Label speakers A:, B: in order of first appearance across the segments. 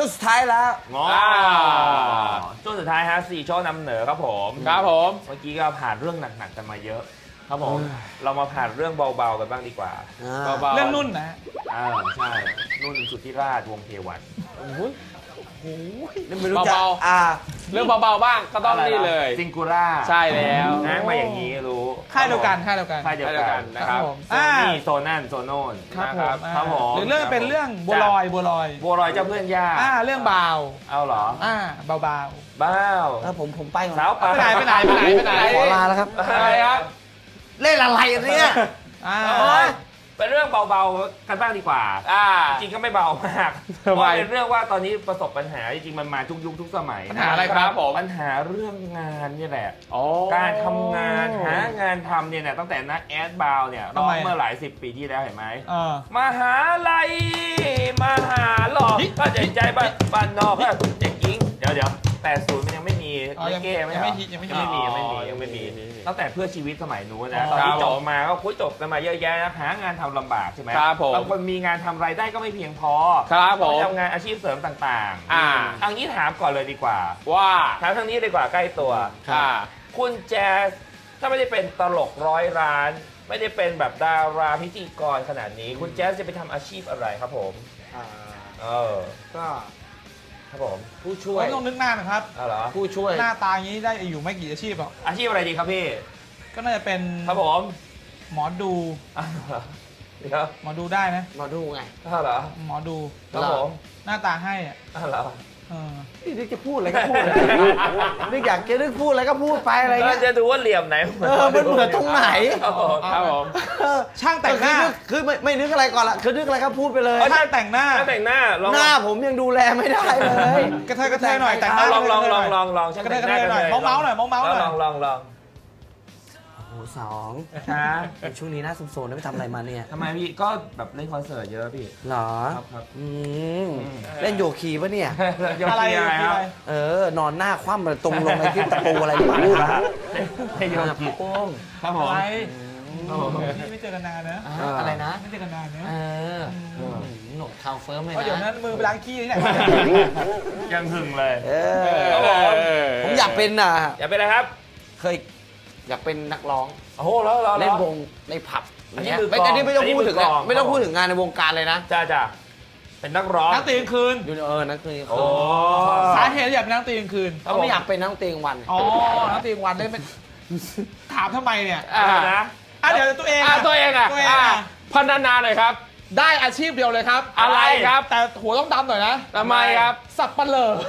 A: ช่วงสุดท้ายแล้ว
B: ช่วงสุดท้ายฮะ4ช่วงนำเหนือครับผม
C: ครับผม
B: เมื่อกี้ก็ผ่านเรื่องหนักๆกันมาเยอะครับผมเรามาผ่านเรื่องเบาๆกันบ้างดีกว่า
C: เบาๆ
D: เรื่องนุ่นนะ
B: ใช่นุ่นสุทธิราชวงศ์เทวัน
A: นี่ไม่รู้จะ
C: เบาเรื่องเบาๆบ้างก็ต้องนี่เลย
B: ซิงคูล่า
C: ใช่แล้ว
B: นะมาอย่างนี้รู้
D: ค่ายเดียวกันค่ายเดียวกัน
B: ค่ายเดียวกัน
C: นะครับ
D: ผม
B: โซนี่โซนั่นโซโน่น
D: ครับผม
B: ครับผม
D: หรือเรื่องเป็นเรื่องบัวลอยบัวลอย
B: บัวลอยเจ้าเพื่อนยาก
D: เรื่องเบา
B: เอาเหรอ
D: เบา
B: บ้าว
A: ผมไปก่อน
B: สาวป่า
D: ไปไหน
A: ขอลาแล้วครับ
C: อะไรครับ
A: เล่นอะไรเนี่ย
B: เป็นเรื่องเบาๆกันบ้างดีกว่าจริงก็ไม่เบามากเพราะเป็นเรื่องว่าตอนนี้ประสบปัญหาจริงๆมันมาทุกยุคทุกสมัย
D: ปัญหาอะไรครับผม
B: ปัญหาเรื่องงานนี่แหละการทำงานหางานทำเนี่ยตั้งแต่นักแอดบาวเนี่ยร้องเมื่อหลาย10 ปีที่แล้วเห็นไหมมหาลัยมหาหลอกก็ใจบ้านนอกก็เด็กหญิงเดี๋ยว80มันยังไม่มีเก้ไม่มีตั้งแต่เพื่อชีวิตสมัยนู้นนะตอนที่จบมาก็คุยจบกันมาเยอะแยะนะหางานทำลำบากใช่ไหมบางคนมีงานทำรายได้ก็ไม่เพียงพอต้องทำงานอาชีพเสริมต่างๆอันนี้ถามก่อนเลยดีกว่าว่าถามทางนี้ดีกว่าใกล้ตัวคุณแจ๊สถ้าไม่ได้เป็นตลก100 ล้าน ไม่ได้เป็นแบบดาราพิธีกรขนาดนี้คุณแจ๊สจะไปทำอาชีพอะไรครับผม
A: ก็
B: ครับผมผู้ช่วย
D: ไม่ต้องนึกหน้านะครับ
B: เหรอ
A: ผู้ช่วย
D: หน้าตาอย่างนี้ได้อยู่ไม่กี่อาชีพหรอก
B: อาชีพอะไรดีครับพี่
D: ก็น่าจะเป็น
B: ครับผม
D: หมอดู
B: เดี๋ยว
D: หมอดูได้นะ
A: มาดูไง
B: เหรอ
D: หมอดู
B: ครับผม
D: หน้าตาให้
B: เหรอ
A: นี่นึกจะพูดอะไรก็พูดเลยนึกอยากจะนึกพูดอะไรก็พูดไปอะไรเงี้ย
B: จะดูว่าเหลี่ยมไหน
A: มันเหมือนตรงไหน
B: ครับผม
D: ช่างแต่งหน้า
A: คือไม่นึกอะไรก่อนละคือนึกอะไรก็พูดไปเลย
D: ช่างแต่งหน้า
B: แต่งหน้า
A: หน้าผมยังดูแลไม่ได้เลย
D: กระเทยหน่อยแต่งหน้า
B: ลองช่างแต่งหน้า
D: หน่อยเมาส์หน่อย
B: ลอง
A: โอ้โหช่วงนี้น่าสมโซนได้ไปทำอะไรมาเนี่ย
B: ทำไมพี่ก็แบบเล่นคอนเสิร์ตเยอะพี่
A: หรอ
B: ครับ
A: เล่นโยคีปะเนี่ย
D: อะไร
B: ครับ
A: นอนหน้าคว่ำตรงลงไปที่ตะปูอะไรหรือเปล่า
B: เล่นโยคีครับผม
D: อะไรไม่เจอกันนานนะ
A: อะไรนะ
D: ไม่เจอกันนานนะ
A: หนวดคาวเฟิร์มเลย
D: เพราะเดี๋ยว
A: นะ
D: นั้นมือไปล้างขี้ที่ไหน
B: ยังหึงเลย
A: ผมอยากเป็น
B: อยากเป็นอะไรครับ
A: เคยอยากเป็นนักร้อง
B: โอ้โหแล้ว
A: เล่นวงในผับ
B: อันนี้
A: ไม่ต้องพูดถึงไม่ต้องพูดถึงงานในวงการเลยนะ
B: จ้าเป็นนักร้อง
D: นักตีกลางคืน
A: นักตี
B: โอ้
D: สาเหตุอยากเป็นนักตีกลางคืน
A: เขาไม่อยากเป็นนักตีกลางวัน
D: นักตีกลางวันได้เป็นถามทำไมเนี่ย
B: นะ
D: เดี๋ยวตัวเอง
C: พันนาหน่อยครับได้อาชีพเดียวเลยครับอะไรครับ
D: แต่หัวต้องดำหน่อยนะ
C: ทำไมครับ
D: สับปะเลอ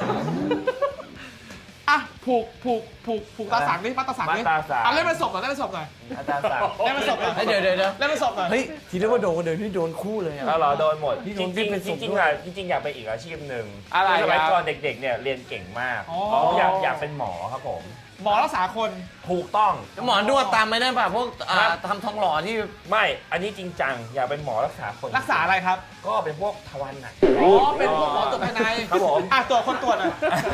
D: ผูกตาสังนี่มัดตาสังนี่เล่นเป็นศพหน่อยเล่นเป็นศพหน่อย
B: อาจารย์สั่ง
D: เล่นเป็นศพหน่อย
A: เดี๋ยว
D: เล่นเป็นศพหน่อย
A: เฮ้ยทีนี้ว่าโดนนี่โดนคู่เลย
B: แล้วเหรอโดนหมดจริงอยากเป็นอีกอาชีพหนึ่งสมัยก่อนเด็กๆเนี่ยเรียนเก่งมากอยากเป็นหมอครับผม
D: หมอรักษาคน
B: ถูกต้อง
A: หมอนวดตามไม่ได้ป่ะพวกทำทองหล่อที่
B: ไม่อันนี้จริงจังอยากเป็นหมอรักษาคน
D: รักษาอะไรครับ
B: ก็เป็นพวกทวารหนัก
D: เป็นพวกหมอตรวจภายใน
B: ครับผม
D: ตรวจคนตรวจหน่อย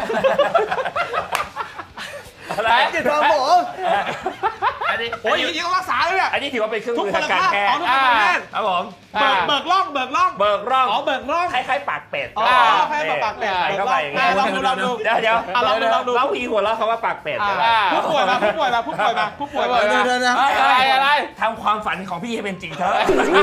B: อะไร
A: จิตทองหมอ
B: อันนี้
D: โอ้ยอย่างนี้ก็รักษาเลยเนี่ย
B: อันนี้ถือว่าเป็นเครื่องมือทางการแพทย์
D: ทุกคนละ
B: ครับผม
D: เบิกร่อง
B: เบิกร่อง
D: เบิกร่อง
B: คล้ายๆปากเป็ด
D: คล้ายๆปากเป็ด
B: ใส่เข้าไปอย่างเงี้ย
D: ลองดู
B: เดี๋ยวแล้วพี่หัวเราะเขาว่าปากเป็ด
D: ผู้ป่วยมา
C: อะไร
B: ทำความฝันของพี่ให้เป็นจริงเถอะ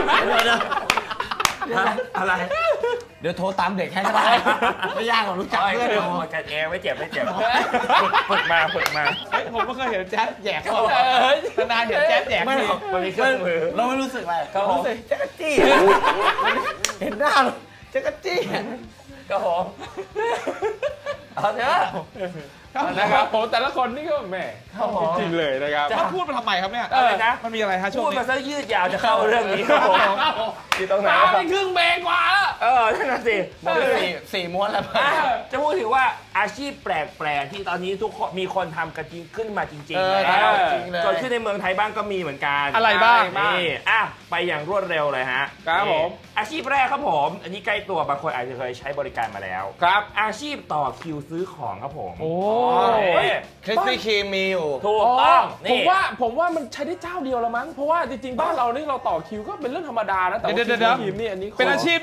B: อะไร
A: เดี๋ยวโทรตามเด็กให้ก็ได้ไม่ยากหรอกรู้จักเพื่อนเรา
B: กันเองไม่เจ็บฝึกมา
D: ผมก็เคยเห็นแจ๊สแยกเขานานเห็นแจ๊สแยก
A: ไม่หรอก
B: มันมีเครื่องมือ
A: เราไม่รู้สึกอะไร
B: ครับผม
A: รู้สึกจักรจี้เห็นหน้าจักรจี้
B: ก็ผมเอาเถอะ
C: นะครับผมแต่ละคนนี่ก็แหมจริงเลยนะครับ
D: ถ้าพูดมาทำไมครับเนี่ย
B: อะไรนะ
D: มันมีอะไรฮะช่วง
B: พูด
D: นี้
B: มาซะยืดยาวจะเข้าเรื่องนี้ครับผมที่ตรงไหน
C: ตามไปครึ่งเบรกกว่าแล้ว
B: นั่นน่ะสิ
A: สี่ม้วนแล้ว
B: จะพูดถึงว่าอาชีพแปลกๆที่ตอนนี้ทุกคนมีคนทำกันจริงขึ้นมาจริงๆแล้วเกิดขึ้นในเมืองไทยบ้างก็มีเหมือนกัน
C: อะไรบ้าง
B: นี่ไปอย่างรวดเร็วเลยฮะ
C: ครับผม
B: อาชีพแรกครับผมอันนี้ใกล้ตัวบางคนอาจจะเคยใช้บริการมาแล้ว
C: ครับ
B: อาชีพต่อคิวซื้อของครับผม
C: โอ้
A: คริสปี้ครีมมีอยู่
B: ถูกต้อง
C: ผมว่ามันใช้ได้เจ้าเดียวละมั้งเพราะว่าจริงๆบ้านเรานี่เราต่อคิวก็เป็นเรื่องธรรมดานะแต่ว่าทีมนี่อันนี้
D: เป็นอาชีพนี่คือเป็นหน้า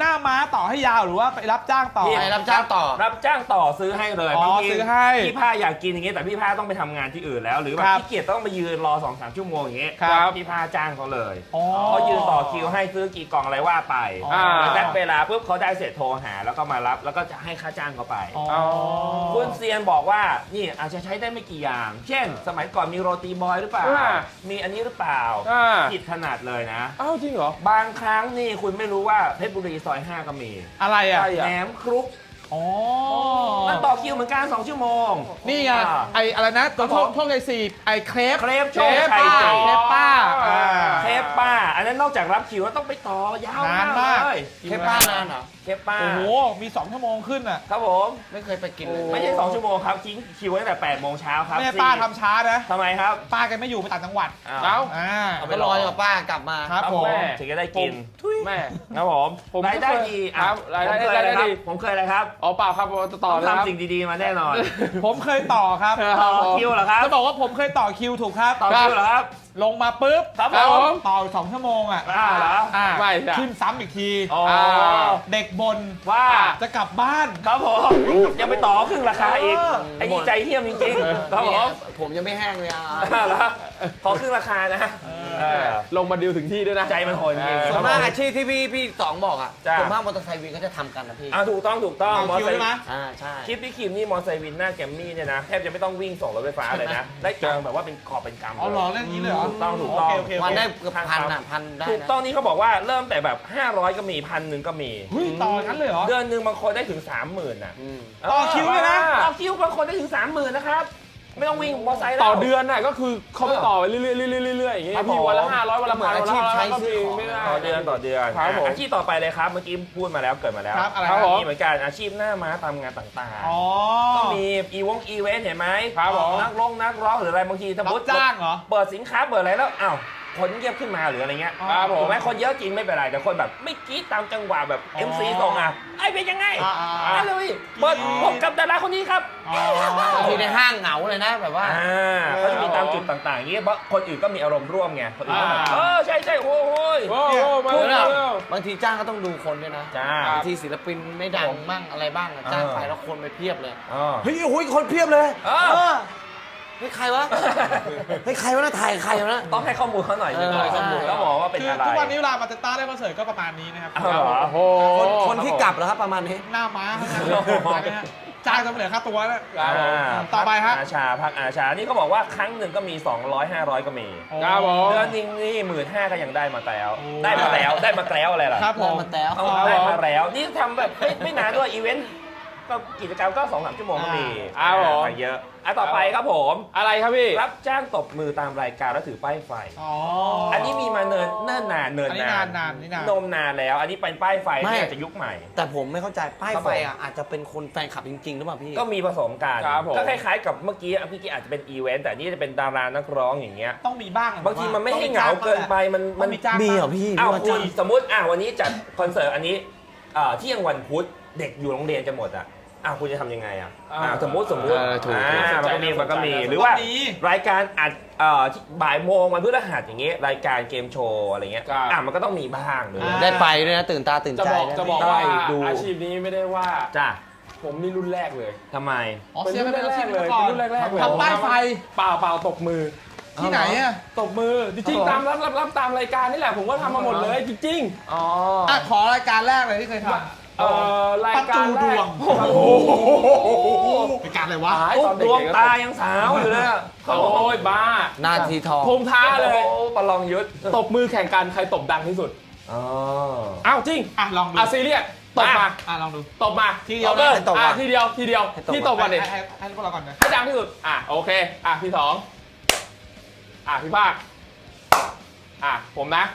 D: น้าม้าต่อให้ยาวหรือว่าไปรับจ้างต่อ
A: ไปรับจ้างต่อ
B: รับจ้างต่อซื้อให้เลย
D: อ๋อบ
B: างที
D: ซื้อให้
B: พี่ผ้าอยากกินอย่างงี้แต่พี่ผ้าต้องไปทำงานที่อื่นแล้ว หรือแบบ
D: ครับ
B: ขี้เกียจต้องไปยืนรอ 2-3 ชั่วโมงอย่างเงี้ย
D: ครับ
B: พี่ผ้าจ้างเขาเลย
D: อ๋อ
B: เขายืนต่อคิวให้ซื้อกี่กล่องอะไรว่าไป
D: อ๋อ
B: แล้วได้เวลาปุ๊บเขาได้เสร็จโทรหาแล้วก็มารับแล้วก็จะให้ค่าจ้างเขาไป
D: อ๋อ
B: คุณเซียนบอกว่านี่อาจจะใช้ได้ไม่กี่อย่าง เช่น สมัยก่อนมีโรตีบอยหรือเปล่า มีอันนี้หรือเปล่าผิดขนาดเลยนะ
C: อ้าวจริงเหรอ
B: บางครั้งนี่คุณไม่รู้ว่าเพชรบุรีซอย 5 ก็มี
D: อะไรอ่ะ
C: ใช่
B: แหนมครุก
D: อ๋อ
B: มันต่อคิวเหมือนกัน2 ชั่วโมง
D: นี่ไง ไออะไรนะตัวพวกไอซีไอเครป
B: เครป
D: เค
B: โช
D: ร
B: ว์
D: ป
B: ไข่
D: ป้า
B: เจียว
D: เครปป้าอ่า
B: เครปป้า อันนั้นนอกจากรับคิวแล้วต้องไปต่อยาวน
D: านมาก
B: เลย
A: แค่ป้านานเหรอ
B: เครปป้า
D: โอ้โห มี2 ชั่วโมงขึ้นอ่ะ
B: ครับผม
A: ไม่เคยไปกินเลย
B: ไม่ใช่2 ชั่วโมงครับทิ้งคิวตั้งแต่8 โมงเช้าครับ
D: แม่ป้าทำช้านะ
B: ทำไมครับ
D: ป้าแกไม่อยู่ไปต่างจังหวัด
B: อ้าว
D: อ่า
B: เอาไป
A: ก็รอกับป้ากลับมา
D: ครับผม
C: แม่
B: ถึงจะได้กิน
C: แม่
B: ครับผม
C: ผม
B: รายได้ดี
C: ครับรายได้
B: ผมเคยอะไร
C: ได้
B: ครับ
C: ดี
B: ผมเคยอะไรครับ
C: อ๋อเปล่าครับต่อเลยครับ
B: ทำสิ่งดีๆมาแน่นอน
D: ผมเคยต่อครับ
B: ต่อคิวเหรอครับ
D: จะบอกว่าผมเคยต่อคิวถูกครับ
B: ต่อคิวเหรอครับ
D: ลงมาปุ๊บ
B: ครับผม
D: ต่ออีก2 ชั่วโมงอ่ะ
B: เหรอ
D: อ่า
C: ไม่จ้ะ
D: ขึ้นซ้ำอีกที
B: อ๋อ
D: เด็กบน
B: ว่า
D: จะกลับบ้าน
B: ครับผมยังไปต่อครึ่งราคาอีก
D: เออ
B: ไอ้นี่ใจเที่ยมจริงๆครับผม
A: ผมยังไม่แห้งเลยอ่ะ
B: แล้วขอครึ่งราคานะเออ
C: ลงมาดิวถึงที่ด้วยนะ
B: ใจมันโหดจริง
A: ส่วนมากอาชีพที่พี่สองบอกอ่ะ
B: จ้ะ
A: ส่วนมากมอเตอร์ไซค์วินเขาจะทำกันนะพี่
B: ถูกต้อง
D: ต่อ
B: มอ
D: คิว
B: ไซ
D: ใช่ไหม
B: ค์
A: ใช่
B: คลิปพี่คิมนี่มอไซค์วินหน้าแกมมี่เนี่ยนะแทบจะไม่ต้องวิ่งส่งรถไฟฟ้าเลยนะ ได้กางแบบว่าเป็นกอบเป็นกำ
D: อ๋อเหรอเรื่องนี้เลยเหรอ
B: ถูกต้อง
D: โอเค
A: วันได้เกือบพันอ่ะพันได้
B: ถูก
A: นะ
B: ต้องนี่เขาบอกว่าเริ่มแต่แบบ 500 ก็มี1,000ก็มี
D: เฮ้ยต่องั้นเลยเหรอ
B: เดือนหนึ่งบางคนได้ถึง 30,000น่ะ
D: ต่อคิวเลยนะ
B: ต่อคิวบางคนได้ถึง 30,000นะครับไม่ต้องวิ่งมอไซค์แล้ว
C: ต่อเดือนน่ะก็คือเขาไปต่อไปเรื่อยๆอย่างเงี้ย
B: ครับ
C: พี่
B: ผม
C: วันละ500วันละ
A: เหมือน
C: 1,000
A: อาชีพใช้ซื้อของ
C: ไม่ได้
B: ต่อเดือน
C: ครับผม
B: อาชีพต่อไปเลยครับเมื่อกี้พูดมาแล้วเกิดมาแล้ว
D: ครับอะไร
C: ครับผม
B: นี่เหมือนกันอาชีพหน้าม้าตามงานต่าง
D: อ๋อ
B: ๆก็มีอีเวนต์เห็นไหม
C: ครับผม
B: นักร้องหรืออะไรบางทีถ้า
D: รับ
B: มุด
D: จ้างเหรอ
B: เปิดสินค้าเปิดอะไรแล้วอ้าวคนเงียบขึ้นมาหรืออะไรเงี้ย
C: ครับผม
B: ถูกไหมคนเยอะจริงไม่เป็นไรแต่คนแบบไม่กรี๊ดตามจังหวะแบบ
D: อ๋อ
B: MC ส่งอ่ะไอ้เป็นยังไง
D: อ่า
B: มาเลยเปิดพบกับดาราคนนี้ครับ
D: อ๋อ
A: บางทีในห้างเหงาเลยนะแบบว่า
B: เขาจะมีตามจุดต่างๆอย่างนี้เพราะคนอื่นก็มีอารมณ์ร่วมไงคนอื่นก็แบบ ใช่โอ้ย
C: โอ้โหมา
A: พูด
C: แล้
A: แล้ว วบางทีจ้างก็ต้องดูคนด้วยนะ
B: จ้า
A: บางทีศิลปินไม่ดังมั่งอะไรบ้างอะจ้างไปแล้วคนไปเพียบเลย เฮ้ยโอ้ยคนเพียบเลย เฮ้ยใครวะ เฮ้ยใครวะนะถ่ายใครวะนะ
B: ต้องให้ข้อมูลเขาหน่อย
A: เออ
B: ข้อมูลแล้วบอกว่าเป็น
D: คือ
B: อะไร
D: ทุกวันนี้เวลามาเตต้าได้คอนเสิร์ตก็ประมาณนี้นะครับ
B: อ้าวเหรอ
C: โอ้โห
A: คนที่กลับแล้วครับประมาณนี้
D: หน้าม้าจ้างจะเหลือค่าตัวแล้ว ต่อไปฮะ
B: อาชาพักอาชานี่เขาบอกว่าครั้งหนึ่งก็มี 200 500 ก็มี
C: ครับผม
B: เดือนหนึงนี่15,000ก็ยังได้มาแล้วได้มาแล้วอะไรล่ะ
D: ครับผม
A: มาแล้ว
B: ได้มาแล้วนี่ทำแบบไม่นานด้วยอีเวนต์ก็กิจกรรมก็ 2-3 ชั่วโมงก็มี
C: ครับผม
B: ไปเยอะต่อไปครับผม
C: อะไรครับพี่
B: รับจ้างตบมือตามรายการแล้วถือป้ายไฟ
D: อ๋อ
B: อั
D: อั
B: นนี้มีมาเนิ่นนาน
D: อันนี้นานนี่นาน
B: นมนานแล้ว อันนี้เป็นป้ายไฟที่อาจจะยุคใหม่
A: แต่ผมไม่เข้าใจป้าย
B: ครับ
A: ไฟ
B: ผม
A: อ่ะอาจจะเป็นคนแฟนคลับจริงๆหรือเปล่าพี่
B: ก็มีผสมกัน
C: ครับผม
B: ก็คล้ายๆกับเมื่อกี้อาจจะเป็นอีเวนต์แต่นี่จะเป็นดารานักร้องอย่างเงี้ย
D: ต้องมีบ้าง
B: บางทีมันไม่ให้เหงาเกินไปมัน
D: ต้องมีจ้าง
A: มีเหรอพี่
B: อ้าว
A: ว่า
B: คุ
A: จ้า
B: ณ
A: ง
B: สมมติวันนี้จัดคอนเสิร์ตอันนี้เที่ยงวันพุธเด็กอยู่โรงเรียนกันหมดอ่ะคุณจะทำยังไงอ่ะสมมติ
C: ถูก
B: มันก็มีหรือว่ารายการอัดที่บ่ายโมงวันพฤหัสอย่างเงี้ยรายการเกมโชว์อะไรเงี้ยมันก็ต้องมีบ้างเลย
A: ได้ไปด้วยนะตื่นตาตื่น
C: จะ
A: ใจ
C: บอก
A: นะ
C: จะบอกว่า
B: ได้ดู
C: อาชีพนี้ไม่ได้ว่า
B: จ้า
C: ผมนี่รุ่นแรกเลย
B: ทำไม
D: อ๋อเสียไปเป็นอาชีพ
C: เลย
D: ก่อน
C: รุ่นแรกๆเลย
D: ทำป้ายไฟ
C: เปล่าตบมือ
D: ที่ไหนอ่ะ
C: ตบมือจริงๆตามรับตามรายการนี่แหละผมก็ทำมาหมดเลยจริง
B: อ๋อ
D: อ่ะขอรายการแรกเลยที่เคยทำ
C: รายการแร
D: ประตูดว
C: ก
D: ง
C: โอ้โห
D: รายการอะไรวะ
C: หาย
B: ตุ๊
C: ต
B: ก
C: อน
B: ด
C: เด็ก
B: วง
C: ๆ
B: ตายังสาวอยู่เลยอะ
C: โอ้ยบ้า
A: นาทีทอง
C: ผมท้าเลย
B: โอ้ประลองยุทธ
C: ตบมือแข่งกันใครตบดังที่สุด
B: อ๋อ
C: อ้าวจริง
D: อ่ะลองดู
C: ซีเรียสตบมา
D: ลองดู
C: ตบมา
D: ทีเดียว
C: ตบเลย
A: ให้ตบก่อน
C: ทีเดียวพี่ตบก่อนดิ
D: ให้พวกเราก่อนนะ
C: ให้ดังที่สุดโอเคพี่สองพี่ภาคผมนะ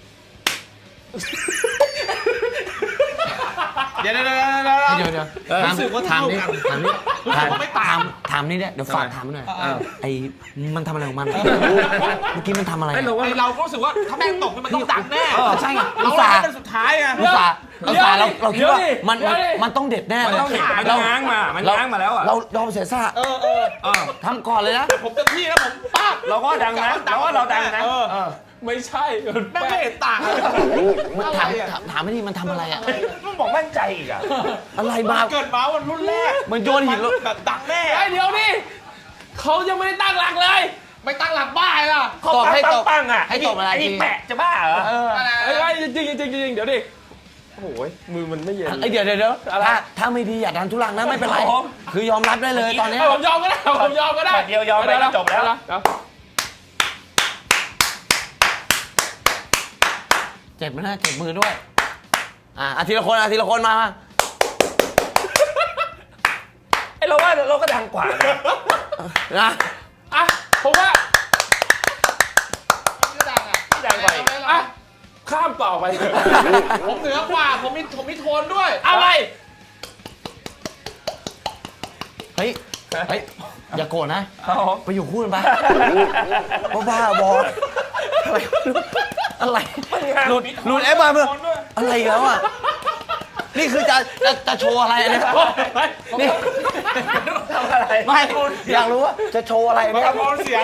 D: เดี๋ยว
A: รู้สึกว่าถามนี่ถามนี่
D: ไม่ตาม
A: ถามนี่เนี่ยเดี๋ยวฝากถามหน่อยไอ้มันทำอะไรของมันเมื่อกี้มันทำอะไร
D: ไอเราก็รู้สึกว่าถ้าแม่งตกนี่มันต้องดังแน่
A: ใช่ไง
D: เรา
A: อุตส่าห์
D: เป็นสุดท้ายไง
A: อุตส่าห์เราคิดว่ามันต้องเด็ดแน่
B: มันต้องเห็นมันง้างมาแล้วอ่ะ
A: เรายอมเสียสละทำก่อนเลยนะ
D: ผมเต็มที่แล้วผมป้า
B: เราก็ดังนะเราดังนะ
C: ไม่ใช่มัน
D: แม่งไม่เห็นต่างเลย
A: มันถามไม่ดีมันทำอะไรอะ
B: มึงบอกมั่นใจอีกอ่ะ
A: อะไรมา
D: เกิดมาวันรุ่นแรก
A: มันโยนหิน
D: แบบดังแน่
C: ไอ้เดี๋ยวนี่เขายังไม่ได้ตั้งหลักเลย
D: ไม่ตั้งหลักบ้าล่ะ
A: ตบให้ตบ
B: ปังอ่ะ
A: ให้ตบอะไร
B: ไอ้
A: จริ
B: นี่
A: ง
B: แปะจะบ้าเหรอ
C: ไอ้จริงจริงจริงเดี๋ยวดิโอ้โหมือมันไม่เย็น
A: ไอ้เดี๋ยวถ้าไม่ดีอย่าดันทุลังนะไม่เป็นไร คือยอมรับได้เลยตอนนี้
C: ผมยอมก็ได้ผมยอมก็ได้
B: เดียวยอมไปจบแล้ว
A: เจ็บไหมนะเจ็บมือด้วยทีละคนมา
B: ไอ้เราว่าเราก็ดังกว่านะ
A: นะ
C: อ่ะผมว่า
D: ไม่ดังอ่ะ
B: ดังกว่าอีก
C: อ่ะข้ามต่อไป
D: ผมเหนือกว่าผมมีโทนด้วย
C: อะไร
A: เฮ้ยอย่าโกรธนะ
B: ครับผม
A: ไปอยู่คู่กันไปบ้าบออะไรหลุดเอฟมาเมื่ออะไรอีกแล้วอ่ะนี่คือจะโชว์อะไรเนี่ยนี่
B: ทำอะไร
A: ไม่อยากรู้ว่าจะโชว์อะไรเนี่ย
D: โทนเสียง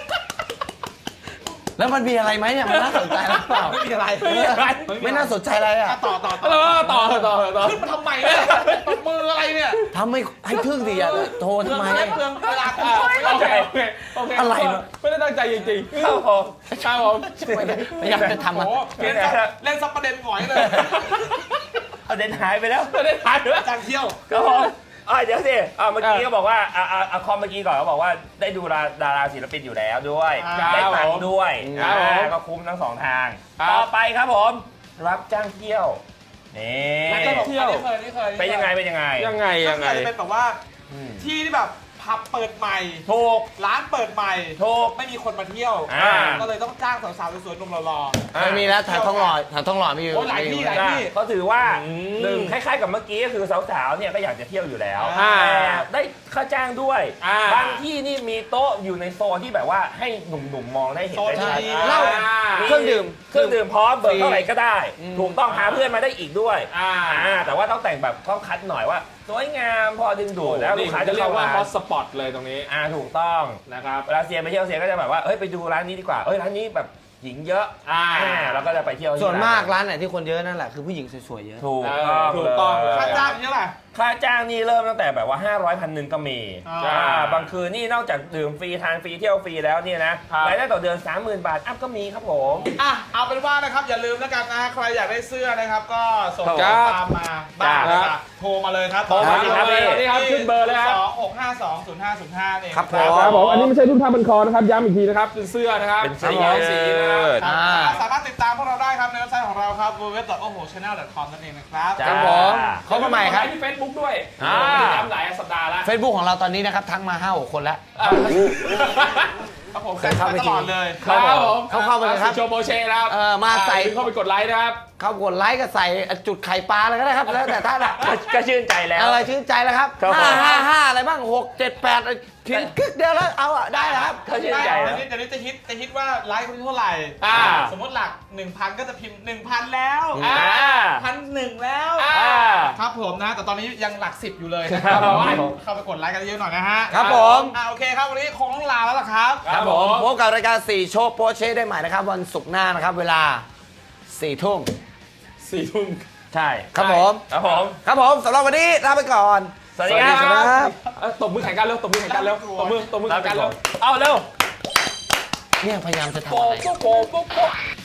A: แล้วมันมีอะไรไหมเนี่ยมันน่าสนใจหรือเปล่า
D: ไม่มีอะไร
A: ไม่น่าสนใจอะไรอ่ะ
D: ต่อ
C: ต่อ
D: ขึ้นมาทำไมเนี่ยตบมืออะไรเนี่ย
A: ทำให้ทึ่งดิอ่ะโทรทำไม
D: เปลืองเวลาคุณ
C: โอเค
A: อะไรวะ
C: ไม่ได้ตั้งใจจริงๆ
B: ครับผม
C: ครับผม
A: พยายามจะทำ
D: โอ้
A: มัน
D: โหเล่นซับประเด็นหงอยเลย
B: เอาเด่นหายไปแล้ว
C: ไม่ได้ถ่ายด้วย
D: จางเที่ยว
B: ครับผมเดี๋ยวสิเมื่อกี้ก็บอกว่าคอมเมื่อกี้ก่อนเขาบอกว่าได้ดูดาราศิลปินอยู่แล้วด้วย ได้ตังค์ด้วยก็คุ้มทั้งสองทาง ต่อไปครับผม รับจ้างเที่ยว นี่
C: เที่ยว
D: นี่เคย
B: เป็นยังไง
C: ยังไง
D: ก็คือจะเป็นแบบว่าที่ที่แบบผับเปิดใหม่
B: ถูก
D: ร้านเปิดใหม่
B: ถูก
D: ไม่มีคนมาเที่ยว ก็เลยต้องจ้างสาวๆสวยๆหนุ่มหล่อ
A: ไม่มีแล้วแถวท้องหล่อมีอยู่
D: โอ้หลายที่หลายที่
B: เขาถือว่าหนึ่งคล้ายๆกับเมื่อกี้ก็คือสาวๆเนี่ยก็อยากจะเที่ยวอยู่แล้ว
C: อ่า
B: แต่ได้ค่าจ้างด้วย
C: อ่า
B: บางที่นี่มีโต๊ะอยู่ในโซนที่แบบว่าให้หนุ่มๆมองได้เห็นได้ชัด
D: โซนดี
A: เหล้า
B: มี
A: เครื่องดื่ม
B: เครื่องดื่มพร้อมเบิกเท่าไหร่ก็ได้ ถูกต้องหาเพื่อนมาได้อีกด้วย แต่ว่าต้องแต่งแบบต้องคัดหน่อยว่าสวยงามพอดึงดูดแล้วลู
C: นี่
B: กค้า
C: จะ
B: จะ
C: เรีย
B: เข้าก
C: ว่า
B: มา
C: ฮอตสปอตเลยตรงนี้
B: ถูกต้อง
C: นะครับ
B: เวลาเซียไปเที่ยวเซียก็จะแบบว่าเอ้ยไปดูร้านนี้ดีกว่าเอ้ยร้านนี้แบบหญิงเยอะเราก็จะไปเที่ยวที่
A: ส่วนมากร้านไหนที่คนเยอะนั่นแหละคือผู้หญิงสวยๆเยอะ
B: ถูก
C: ถูกต้อง
B: เลย
D: ค่าจ้างเยอะแหละ
B: ค่าจ้างนี่เริ่มตั้งแต่แบบว่า500 1,000ก็มี
D: อ่า
B: บางคืนนี่นอกจากดื่มฟรีทานฟรีเที่ยวฟรีแล้วเนี่ยนะครับ รายได้ต่อเดือน 30,000 บาทอัพก็มีครับผม
D: เอาเป็นว่านะครับอย่าลืมแล้วกันนะใครอยากได้เสื้อนะครับก็ส่ง
C: ครั
D: ข้
C: บ
D: อความมาบ้าง
C: ครับ
D: นะครับโทรมาเลยครับ
B: โทรมาสิครับ
C: นี่ครับขึ้นเบอร์เลยครับ
D: 2-652-0505เอง
A: ครับผม
C: ครับผมอันนี้ไม่ใช่รูปท่าบันคอนะครับย้ำอีกทีนะครับเป็นเสื้อนะครับ
B: เป็นเสื้อ
C: สีนะครับ
D: สามารถติดตามพวกเราได้ครับในเว็บไซต์ของเราครับ www.ohochannel.com นั่นเองนะครับ
A: ครับผมเขามาใหม่ครับ
C: ที่ Facebook ด้วย
B: อ่า
C: ติดตามหลายสัปดาห์แล้ว
A: Facebook ของเราตอนนี้นะครับทักมา 5-6 คนแล้ว
D: ครับผม
A: เคยเข้าไป
D: ตลอดเลย
C: ครับผม
A: เข้าไปเลยครับ
C: โชว์โบเช่นะครับ
A: มาใส่
C: เข้าไปกดไลค์นะครับ
A: เข้ากดไลค์ก็ใส่จุดไข่ปลาอะไรก็ได้ครับแล้วแต่ท่านอะ
B: ก็ชื่นใจแล้ว
A: อะไรชื่นใจแล้วครับ
B: ครับผม
A: 5 อะไรบ้าง6 7 8ทิ้งกึกเดียวแล้วเอาอะได้แล้วครับ
B: ก็ชื่นใจ
D: เดี๋
B: แล้
D: ยว วนี้จะฮิตว่าไลค์คนที่เท่าไหร่ สมมติหลัก 1,000 ก็จะพิมพ์ 1,000 แล้ว 1,001 แล้ว ครับผมนะ แต่ตอนนี้ยังหลัก 10 อยู่เลยนะครับเข้าไปกดไลค์กันเยอะหน่อยนะฮะ
A: ครับผม
D: โอเคครับวันนี้คงต้องลาแล้วล่ะครับ
A: ครับผมพบกับรายการ4โชว์โปรเช่ได้ใหม่นะครับวันศุกร์หน้านะครับเวลา4 ทุ่ม
C: 4 ทุ่ม
B: ใช่
A: ครับผม
B: ครับผม
A: ครับผมสำหรับวันนี้ลาไปก่อน
B: สวัสดีครับ
C: ตบมือแข่งกันเร็วตบมือแข่งกันเร็วตบมือแข่งกันเร็ว
B: เอาเร็ว
A: เนี่ยพยายามจะทำ
C: โป๊
A: อะไร
C: ะโป๊ะโป๊ะโป๊ะ